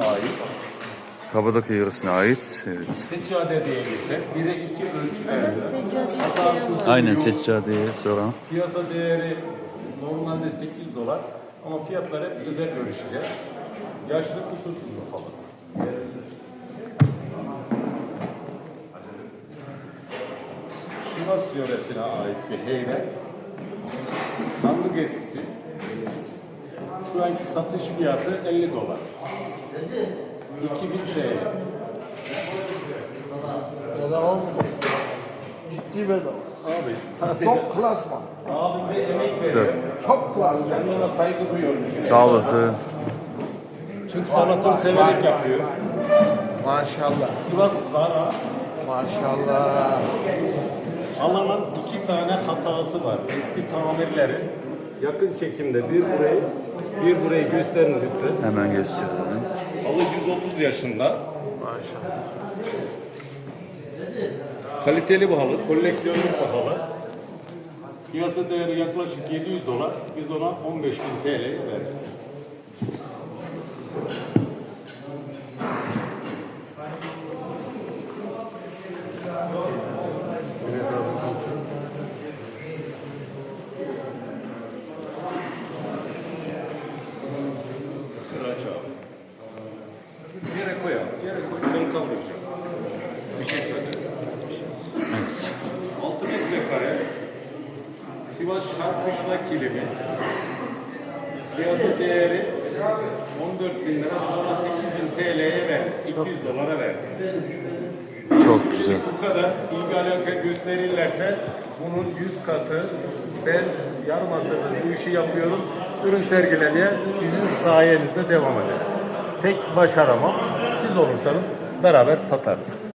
ait. Kabadokya yöresine ait. Evet. Seccade diye geçer. 1'e 2 ölçülerde. Seccade Aynen seccadeyi soran. Piyasa değeri normalde $8 ama fiyatları hep özel görüşeceğiz. Yaşlı kusursuz mu falan. Sivas yöresine ait bir heybe. Sandık eskisi. Şu anki satış fiyatı $50. 2000 TL. Bedava mı? Ciddi bedava. Abi sadece Çok klasman. abim de emek veriyor. Çok klasman. Ben de ona saygı duyuyorum. Sağ olasın. Çünkü sanatını severek yapıyor. Maşallah. Sivas Zara. Maşallah. Halının 2 tane hatası var. Eski tamirleri. Yakın çekimde bir burayı gösterin lütfen. Hemen gösterelim. Halı 130 yaşında. Maşallah. Kaliteli bir halı, koleksiyonluk bir halı. Piyasa değeri yaklaşık $700. Biz ona 15.000 TL'ye veririz. Sıra çağır. Yere koy abi. Yere koy. Ben kaldıracağım. Teşekkür ederim. Evet. 6 metrekare Sivas Şarkışla kilimi. Piyasa değeri 14.000 lira. Biz ona 8.000 TL'ye verdik. $200 verdik. Çok güzel. Bu kadar ilgi alaka gösterirlerse bunun 100 katı. Ben yarım asırdır bu işi yapıyorum. Ürün sergilemeye sizin sayenizde devam eder. Tek başaramam. Siz olursanız beraber satarız.